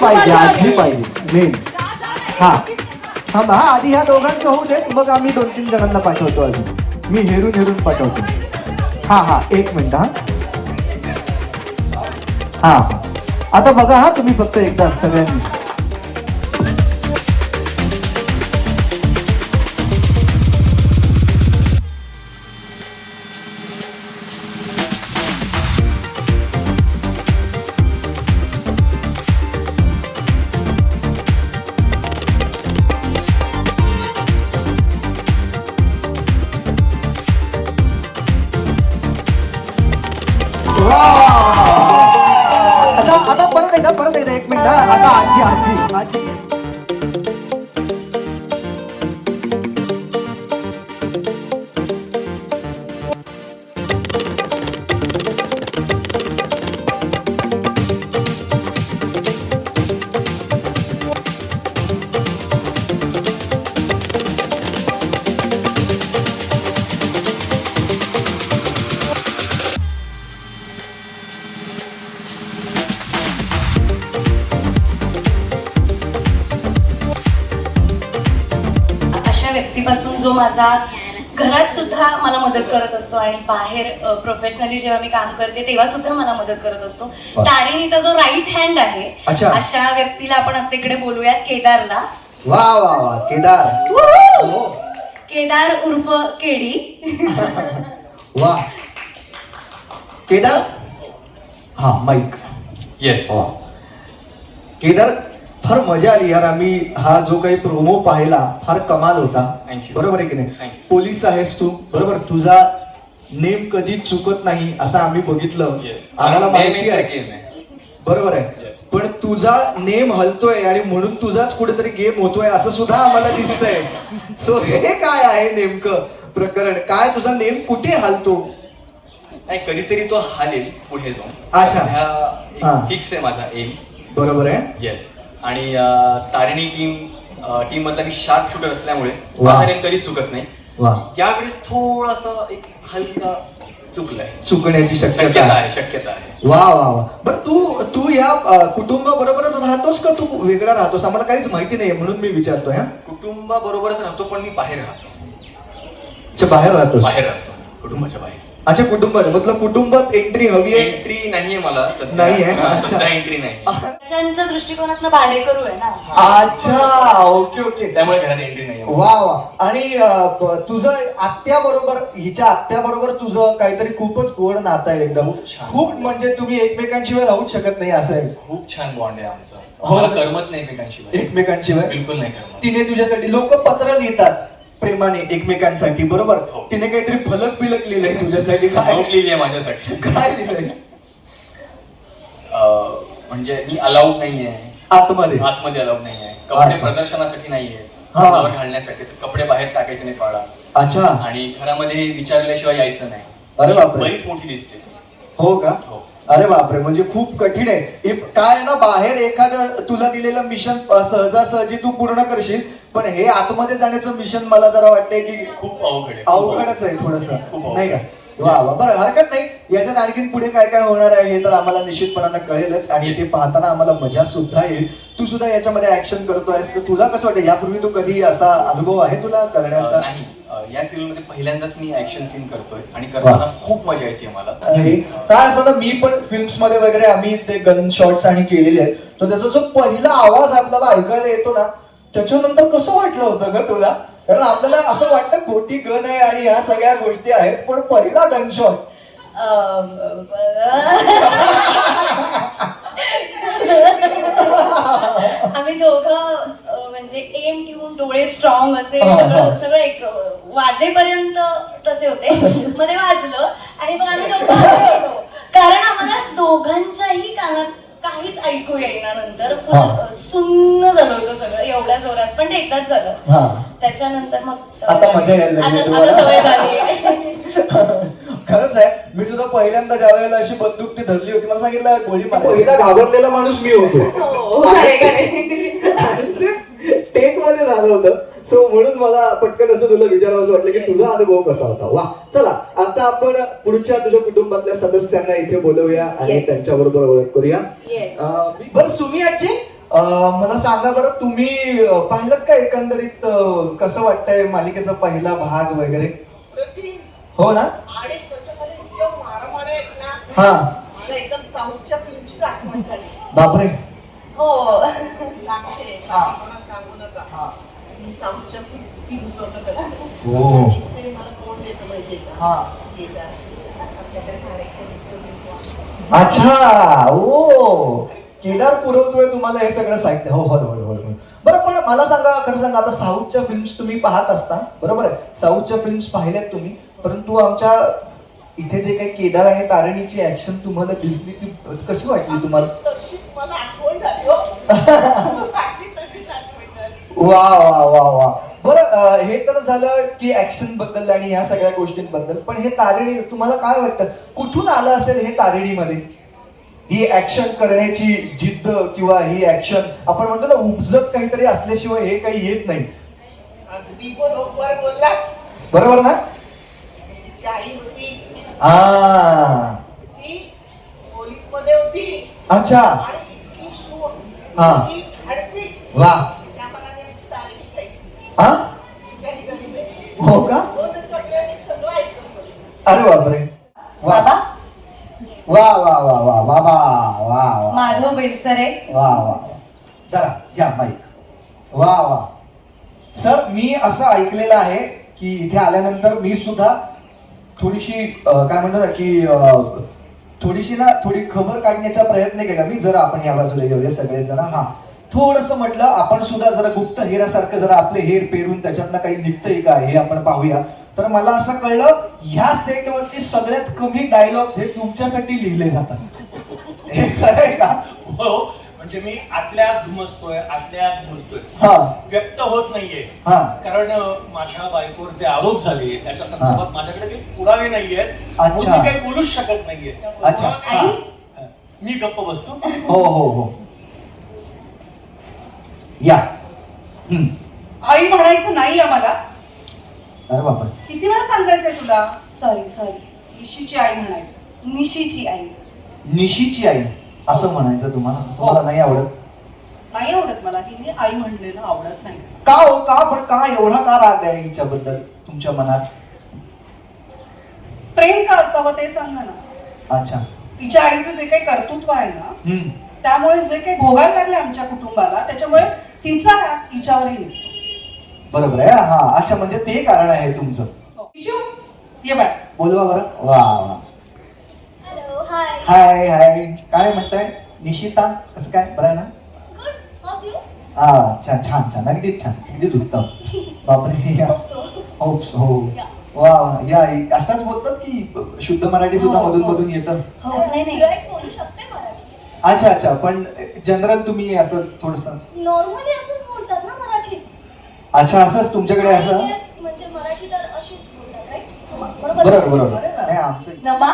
पाहिजे मेन. हा थांबा, हा आधी ह्या दोघांचं होऊ दे, मग आम्ही 2-3 जणांना पाठवतो. अजून मी हेरून पाठवतो. हा 1 मिनिट. हा आता बघा, हा तुम्ही फक्त एकदा सगळ्यांनी. आता परत एकदा 1 मिनिट. आता आजी व्यक्तीपासून जो माझा घरात सुद्धा मला मदत करत असतो आणि बाहेर प्रोफेशनली जेव्हा मी काम करते तेव्हा सुद्धा मला मदत करत असतो. तारिणीचा जो राईट हँड आहे, अशा व्यक्तीला आपण आता इकडे बोलूया, केदारला. वा वा वा, केदार उर्फ केडी. वा केदार. हा माईक. येस. केदार, फार मजा आली यार. आम्ही हा जो काही प्रोमो पाहिला फार कमाल होता. बरोबर आहे की नाही? पोलीस आहेस तू, बरोबर. तुझा नेम कधी चुकत नाही असं आम्ही बघितलं. आम्हाला माहिती आहे, बरोबर आहे. पण तुझा नेम हलतोय आणि म्हणून तुझाच कुठेतरी गेम होतोय असं सुद्धा आम्हाला दिसतंय. सो हे काय आहे नेमकं प्रकरण? काय तुझा नेम कुठे हलतो? नाही, कधीतरी तो हालेल पुढे जाऊन. अच्छा, फिक्स आहे माझा एम. बरोबर आहे. येस. आणि तारिणी टीम मधला मी शार्प शूटर असल्यामुळे माझा नेम कधीच चुकत नाही. यावेळेस थोडासा एक हलका चुकण्याची शक्यता आहे. वा वा वा. बरं, तू या कुटुंबाबरोबरच राहतोस का तू वेगळा राहतोस? आम्हाला काहीच माहिती नाही म्हणून मी विचारतोय. कुटुंबाबरोबरच राहतो, पण मी बाहेर राहतो. अच्छा, बाहेर राहतो. कुटुंबाच्या बाहेर. अच्छा, कुटुंबात मतलब कुटुंबात एंट्री हवी आहे? एंट्री नाहीये मला नाही आहे. सध्या एंट्री नाही. त्यांच्या दृष्टिकोनातनं भाडेकरू आहे ना. अच्छा, ओके. त्यामुळे घरात एंट्री नाही. वा वा. आणि तुझं हिच्या आत्याबरोबर तुझं काहीतरी खूपच गोड नातं आहे एकदम. खूप म्हणजे तुम्ही एकमेकांशिवाय राहूच शकत नाही असं आहे. खूप छान बॉन्ड आहे आमचा. मला करमत नाही एकमेकांशिवाय. बिलकुल नाही करमत. तिने तुझ्यासाठी, लोक पत्र लिहितात प्रेमाने एकमेकांसाठी, बरोबर. तिने काहीतरी फलक बिलक लिहिलंय तुझ्यासाठी. काय लिहिली आहे माझ्यासाठी? काय लिहिलंय? म्हणजे मी अलाउड नाहीये आतमध्ये अलाउड नाहीये. कपडे प्रदर्शनासाठी नाहीये, घालण्यासाठी. कपडे बाहेर टाकायचे नाही वाळा. अच्छा. आणि घरामध्ये विचारल्याशिवाय यायचं नाही. अरे बापरे, बरीच मोठी लिस्ट आहे. हो का? अरे बापरे, म्हणजे खूप कठीण आहे. काय आहे ना, बाहेर एखादं तुला दिलेलं मिशन सहजासहजी तू पूर्ण करशील, पण हे आतमध्ये जाण्याचं मिशन मला जरा वाटतंय की खूप अवघडच आहे थोडस, नाही का? वा वा. बरं, हरकत नाही. याच्यात आणखीन पुढे काय काय होणार आहे हे तर आम्हाला निश्चितपणानं कळेलच, आणि ते पाहताना आम्हाला मजा सुद्धा येईल. तू सुद्धा याच्यामध्ये ऍक्शन करतोयस, तर तुला कसं वाटतं? यापूर्वी तू कधी असा अनुभव आहे तुला करण्याचा? नाही, या सिरियल मध्ये पहिल्यांदाच मी ऍक्शन सीन करतोय आणि करताना खूप मजा येते मला. काय असं ना, मी पण फिल्म्स मध्ये वगैरे आम्ही ते गन शॉट्स आणि केलेले आहेत, तर त्याचा जो पहिला आवाज आपल्याला ऐकायला येतो ना, त्याच्यानंतर कसं वाटलं होतं ग तुला? कारण आपल्याला असं वाटतं खोटी गन आहे आणि ह्या सगळ्या गोष्टी आहेत, पण पहिला गन शॉट आम्ही दोघं म्हणजे एम ठेवून डोळे स्ट्रॉंग असे सगळं एक वाजेपर्यंत तसे होते. मध्ये वाजलं आणि मग आम्ही दोघं होतो, कारण आम्हाला दोघांच्याही कानात काहीच ऐकू येईना. नंतर सुन्न झालं होतं सगळं एवढ्या जोरात, पण ते एकदाच झालं. त्याच्यानंतर मग आता मजा यायला सवय झाली. खरंच आहे. मी सुद्धा पहिल्यांदा ज्या वेळेला अशी बंदूक ती धरली होती, मला सांगितलं गोळी मार. पहिला घाबरलेला माणूस मी होतो. टेक मध्ये झालं होतं. सो म्हणून मला पटकन असं तुला विचारावं वाटलं की तुझा अनुभव कसा होता. वा, चला आता आपण पुढच्या तुझ्या कुटुंबातल्या सदस्यांना इथे बोलवूया आणि त्यांच्या बरोबर ओळख करूया. बरं, सुमी आजी, मला सांगा बरं, तुम्ही पाहिलं का एकंदरीत कसं वाटतंय मालिकेचा पहिला भाग वगैरे? हो ना? आणि त्याच्यामध्ये इतक्या मारामाऱ्या आहेत ना, हा. मला एकदम साऊथच्या फिल्मचीच आठवण झाली. बापरे. हो सांगते, कोणाला सांगू नका. मी साऊथच्या फिल्म बघत असते. हो. आणि ते मला कोण देतं माहितीये का? हा. केदार. आमच्याकडे कार्यक्रम येतो. अच्छा. ओ, केदार पुरवतोय तुम्हाला हे सगळं साहित्य. हो हो हो हो हो. बरं, पण मला सांगा, खरं सांगा, आता साऊथच्या फिल्म्स तुम्ही पाहत असता, बरोबर आहे? साऊथच्या फिल्म्स पाहिल्यात तुम्ही, परंतु आमच्या इथे जे काही केदार आणि तारिणीची ऍक्शन तुम्हाला दिसली, ती कशी वाटली तुम्हाला? तशीच मला आठवण झाली हो. अगदी तशीच आठवण झाली. वा वा वा वा. बरं, हे तर झालं की ऍक्शन बद्दल आणि या सगळ्या गोष्टींबद्दल, पण हे तारिणी तुम्हाला काय वाटतं, कुठून आलं असेल हे तारिणीमध्ये? ही ऍक्शन करण्याची जिद्द किंवा ही ऍक्शन आपण म्हणतो ना, उपजत काहीतरी असल्याशिवाय हे काही येत नाही. अगदी बरोबर बोलला. बरोबर ना? तिची आई होती, हा. ती पोलीस मध्ये होती अच्छा. आणि इतकी शूर, हा. इतकी धाडसी. वा. त्या मनाने तारिणी खायची. हा. बिचारी गरीब आहे. हो का? हो, ते सगळं ऐकत बसलं. अरे बापरे. वा बाबा वा वा वा वा वा वा वा वा. माधव बेलसरे. वा वा. जरा घ्या माईक. वा वा. सर, मी असं ऐकलेलं आहे की इथे आल्यानंतर मी सुद्धा थोडीशी काय म्हणतो ना की थोडी खबर काढण्याचा प्रयत्न केला मी. जरा आपण या बाजूला घेऊया सगळेजण. हा, थोडस म्हटलं आपण सुद्धा जरा गुप्त हेरासारखं जरा आपले हेर पेरून त्याच्यातनं काही निघतंय का हे आपण पाहूया. तर मला असं कळलं, ह्या सेटवरती सगळ्यात कमी डायलॉग्स हे तुमच्यासाठी लिहिले जातात. हे खरंय का? हो, म्हणजे मी आतल्यात घुमसतोय, आतल्यात बोलतोय, हा व्यक्त होत नाहीये. हा. कारण माझ्या बायकोवर जे आरोप झाले त्याच्या संदर्भात माझ्याकडे काही पुरावे नाहीयेत, म्हणून अच्छा. मी काही बोलूच शकत नाहीये. अच्छा. हा. मी गप्प बसतो. हो हो हो. या. आई म्हणायचं नाही आम्हाला. अरे बापरे. किती वेळा सांगायचंय तुला? सॉरी निशीची आई म्हणायचं. निशीची आई. निशीची आई असं म्हणायचं तुम्हाला? तुम्हाला नाही आवडत? नाही आवडत मला. हिने आई म्हणलेलं आवडत नाही. का हो? का? पण का एवढा का राग आहे हिच्याबद्दल तुमच्या मनात? प्रेम का असावं ते सांगा ना. अच्छा. तिच्या आईचं जे काही कर्तृत्व आहे ना, हम्म. त्यामुळे जे काही भोगायला लागले आमच्या कुटुंबाला, त्याच्यामुळे तिचा राग हिच्यावरही निघतो. बरोबर आहे. हा, अच्छा, म्हणजे ते कारण आहे तुमचं. निशू, ये बाळ. बोलवा बरं. वा वा. हॅलो. हाय. Hi hi. काय म्हणताय निशिता? कसं काय? बरं आहे ना? गुड. How you? हा, छान छान छान. अगदीच छान, अगदीच उत्तम. बापरे. या. होप्स. हो. वा वा. या, अशाच बोलतात की शुद्ध मराठी सुद्धा मधून मधून येतं? हो. नाही बोलू शकते मराठी. अच्छा अच्छा. पण जनरल तुम्ही असंच थोडस नॉर्मली असंच बोलतात ना मराठीत. अच्छा, असंच तुमच्याकडे असं? Yes, म्हणजे मराठी तर अशीच बोलतात, राईट? बरोबर बरोबर. नाही, आमचं. नमा.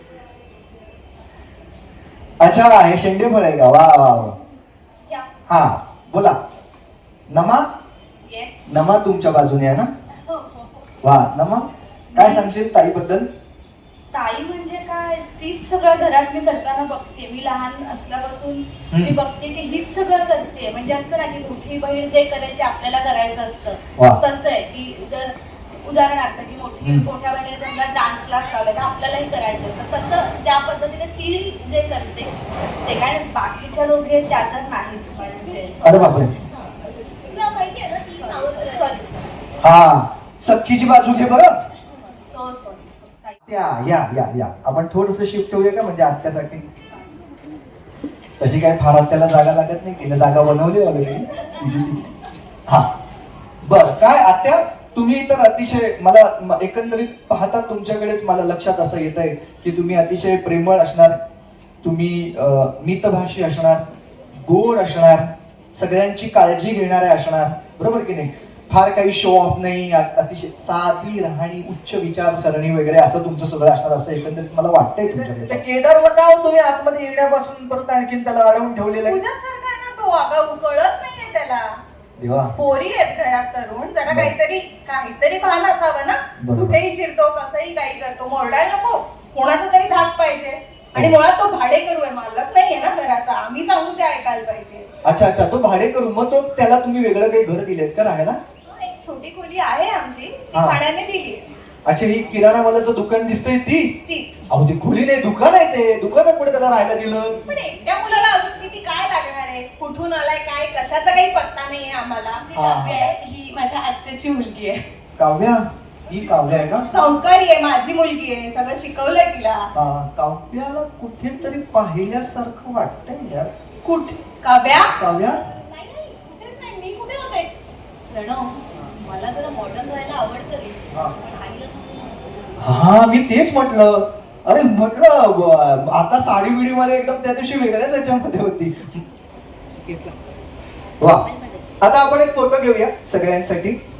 अच्छा, हे शेंडे फळ आहे का? वा वा वा. क्या? हा, बोला. नमा. येस. नमा तुमच्या बाजूने आहे ना? हो. वा. नमा, काय सांगशील ताईबद्दल? ताई म्हणजे काय, तीच सगळं घरात मी करताना बघते. मी लहान असल्यापासून मी बघते की हीच सगळं करते. म्हणजे असतं ना की मोठी बहीण जे करेल ते आपल्याला करायचं वा. असतं. तसं आहे की जर उदाहरणार्थ की मोठ्या बहिणीने समजा डान्स क्लास लावला तर आपल्यालाही करायचं असतं. तसं त्या पद्धतीने ती जे करते ते काय, बाकीच्या दोघे त्या तर नाहीच. म्हणजे अरे बापरे. तुला माहिती आहे ना ती नावं सॉरी. हा, सख्खीची बाजू घे बरं. सॉरी. या या या या. आपण थोडस शिफ्ट होऊया का, म्हणजे आत्यासाठी? तशी काय फार आत्याला जागा लागत नाही, तिने जागा बनवली ऑलरेडी तिची. हा, बर. काय आत्या, तुम्ही तर अतिशय, मला एकंदरीत पाहता तुमच्याकडेच मला लक्षात असं येत आहे की तुम्ही अतिशय प्रेमळ असणार, तुम्ही मितभाषी असणार, गोड असणार, सगळ्यांची काळजी घेणारे असणार, बरोबर की नाही? फार काही शो ऑफ नाही, अतिशय साधी राहणी, उच्च विचारसरणी वगैरे असं तुमचं सगळं असणार, असं एकंदरीत मला वाटतंय तुमच्याकडे. केदारला का हो तुम्ही आतमध्ये येण्यापासून परत आणखीन त्याला अडवून ठेवलेलं आहे? तुझ्याच सारखा आहे ना तो. अगं कळत नाहीये त्याला. देवा. पोरी आहेत घरात तरुण, जरा काहीतरी भान असावं ना. बरोबर. कुठेही शिरतो, कसंही काही करतो, मोरडायला नको, कोणाचा तरी धाक पाहिजे. आणि मुळात तो भाडेकरू आहे, मालक नाहीये ना घराचा. आम्ही सांगू ते ऐकायला पाहिजे. अच्छा अच्छा, तो भाडे करू. मग तो त्याला तुम्ही वेगळं काही घर दिलेत का राहायला? एक छोटी खोली आहे आमची, ती हा. भाड्याने दिली. अच्छा, ही किराणा मालाचं दुकान दिसतंय ती? तीच. अहो ती खोली नाही, दुकान आहे ते. दुकानात पुढे त्याला राहायला दिलं? पण एकट्या मुलाला अजून किती काय लागणार आहे? कुठून आलाय काय, कशाचा काही पत्ता नाहीये आम्हाला. हा. ही माझ्या आत्याची मुलगी आहे. काव्या, ही काव्या आहे का? संस्कारी आहे, माझी मुलगी आहे, सगळं शिकवलंय तिला. काव्याला कुठेतरी पाहिल्यासारखं वाटतंय यार. कुठे? काव्या? काव्या? नाही, कुठेच नाही. मी कुठे होते? प्रणव, मला जरा मॉडर्न राहायला आवडतं रे. हा. पण आईला सांगू हा, मी तेच म्हटलं. अरे म्हटलं आता साडी बिडी मध्ये एकदम त्या दिवशी वेगळ्याच याच्यामध्ये होती. वा, आता आपण एक फोटो घेऊया सगळ्यांसाठी.